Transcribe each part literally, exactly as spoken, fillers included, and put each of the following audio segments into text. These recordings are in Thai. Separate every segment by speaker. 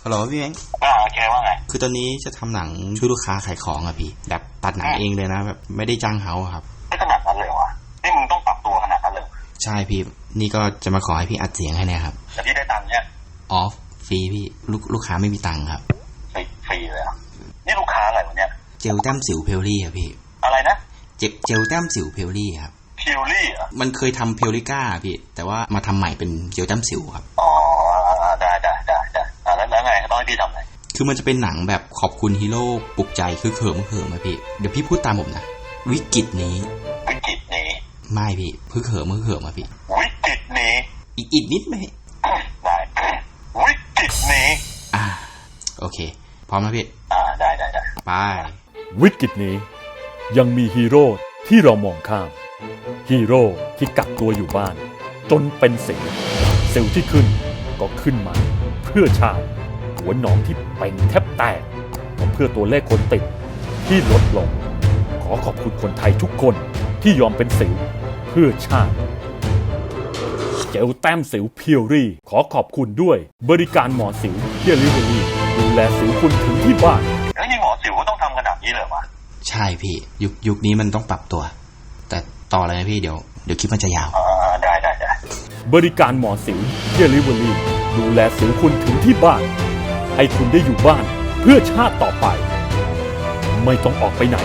Speaker 1: ฮัลโหลพี่เม้ง
Speaker 2: อ่าโอเคว่าไง
Speaker 1: คือตอนนี้จะทำหนังช่วยลูกค้าขายของอะพี่แบบตัดหนังเองเลยนะแบบไม่ได้จ้างเขาครับ
Speaker 2: ไม่ขนาดนั้นเลยวะนี่มึงต้องปรับตัวขนาดนั้นเลย
Speaker 1: ใช่พี่นี่ก็จะมาขอให้พี่อัดเสียงให้เนี่ยครับ
Speaker 2: แต่พี่ได้ตังค์เนี่ย
Speaker 1: ออฟฟรีพี่ลูกลูกค้าไม่มีตังค์ครับ
Speaker 2: ฟรีฟรีเลยอ่ะนี่ลูกค้าอะไรวะเนี่ย
Speaker 1: เจลแต้มสิวเพลลี่ครับพี่
Speaker 2: อะไรนะ
Speaker 1: เจลเจลแต้มสิวเพลลี่ครับ
Speaker 2: พิวลี่อ่ะ
Speaker 1: มันเคยทำเพลลิก้าพี่แต่ว่ามาทำใหม่เป็นเจลแต้มสิวครับ
Speaker 2: อ๋อได้ได้ได้ได้อ่าแล้วแล้วไงต้องให้พี่ทำไง
Speaker 1: คือมันจะเป็นหนังแบบขอบคุณฮีโร่ปลุกใจคือเขิมเขิมอะพี่เดี๋ยวพี่พูดตามผมนะวิกฤตนี้
Speaker 2: วิกฤตนี้
Speaker 1: ไม่พี่คือเขิมคือเขิมอะพี่
Speaker 2: วิกฤตนี้
Speaker 1: อีกอีกนิดไหม
Speaker 2: ได้วิกฤตนี้
Speaker 1: อ่าโอเคพร้อมนะพี่
Speaker 2: อ่าได้ได้ได้
Speaker 1: ไป
Speaker 3: วิกฤตนี้ยังมีฮีโร่ที่เรามองข้ามฮีโร่ที่กักตัวอยู่บ้านจนเป็นสิวสิวที่ขึ้นก็ขึ้นมาเพื่อชาติหัวหนองที่เป่งแทบแตกก็เพื่อตัวเลขคนติดที่ลดลงขอขอบคุณคนไทยทุกคนที่ยอมเป็นสิวเพื่อชาติเจลแต้มสิวเพียวรี่ขอขอบคุณด้วยบริการหมอสิวเดลิเวอรี่ดูแลสิวคุณถึงที่บ้าน
Speaker 2: แล้วนี่หมอสิวก็ต้องทำขนาดนี้เลยวะ
Speaker 1: ใช่พี่ยุคยุคนี้มันต้องปรับตัวแต่ต่อเลยนะพี่เดี๋ยวเดี๋ยวคลิปมันจะยาว
Speaker 2: อ่าได้ได้ได้
Speaker 3: บริการหมอสิวเดลิเวอรี่ดูแลสิวคุณถึงที่บ้านให้คุณได้อยู่บ้านเพื่อชาติต่อไปไม่ต้องออกไปไหน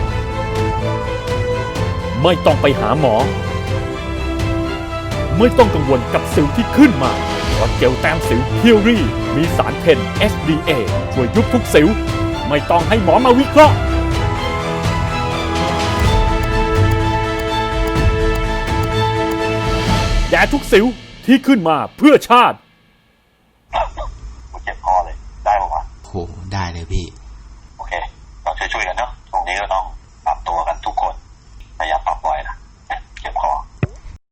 Speaker 3: ไม่ต้องไปหาหมอไม่ต้องกังวลกับสิวที่ขึ้นมาเพราะเจลแต้มสิวเพียวรี่มีสารเพน เอช ดี เอ ช่วยยุบทุกสิวไม่ต้องให้หมอมาวิเคราะห์แย่ทุกสิวที่ขึ้นมาเพื่อชาติ
Speaker 2: กูเจ็บคอเลยได้ป่าววะ
Speaker 1: โหได้เลยพี่
Speaker 2: โอเคเราช่วยๆกันเนาะตรงนี้ก็ต้อง